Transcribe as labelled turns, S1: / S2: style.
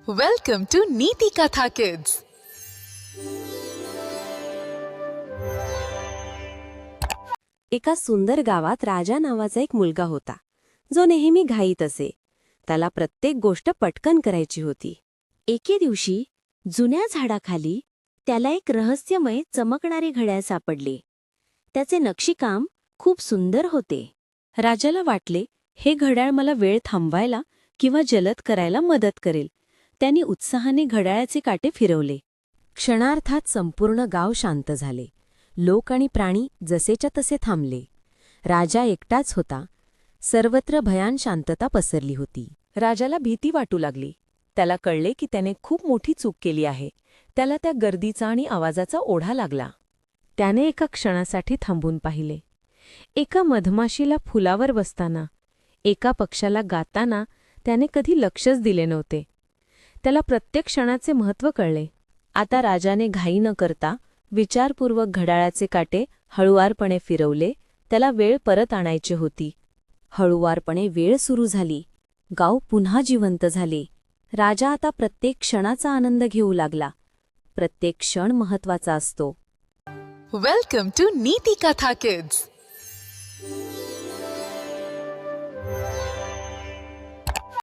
S1: Welcome to Neeti Katha Kids.
S2: एका सुंदर गावात राजा नावाचा एक मुलगा होता जो नेहमी घाईत असे. त्याला प्रत्येक गोष्ट पटकन करायची होती. एके दिवशी जुन्या झाडाखाली त्याला एक रहस्यमय चमकणारे घड्याळ सापडले. त्याचे नक्षीकाम खूप सुंदर होते. राजाला वाटले, हे घड्याळ मला वेळ थांबवायला किंवा जलद करायला मदत करेल. त्यांनी उत्साहाने घड्याळाचे काटे फिरवले. क्षणार्धात संपूर्ण गाव शांत झाले. लोक आणि प्राणी जसेच्या तसे थांबले. राजा एकटाच होता. सर्वत्र भयान शांतता पसरली होती. राजाला भीती वाटू लागली. त्याला कळले की त्याने खूप मोठी चूक केली आहे. त्याला त्या गर्दीचा आणि आवाजाचा ओढा लागला. त्याने एका क्षणासाठी थांबून पाहिले. एका मधमाशीला फुलावर बसताना, एका पक्षाला गाताना त्याने कधी लक्षच दिले नव्हते. त्याला प्रत्येक क्षणाचे महत्त्व कळले. आता राजाने घाई न करता विचारपूर्वक घड्याळाचे काटे हळुवारपणे फिरवले. त्याला वेळ परत आणायची होती. हळुवारपणे वेळ सुरू झाली. गाव पुन्हा जिवंत झाले. राजा आता प्रत्येक क्षणाचा आनंद घेऊ लागला. प्रत्येक क्षण महत्त्वाचा असतो.
S1: Welcome to Neeti Katha Kids.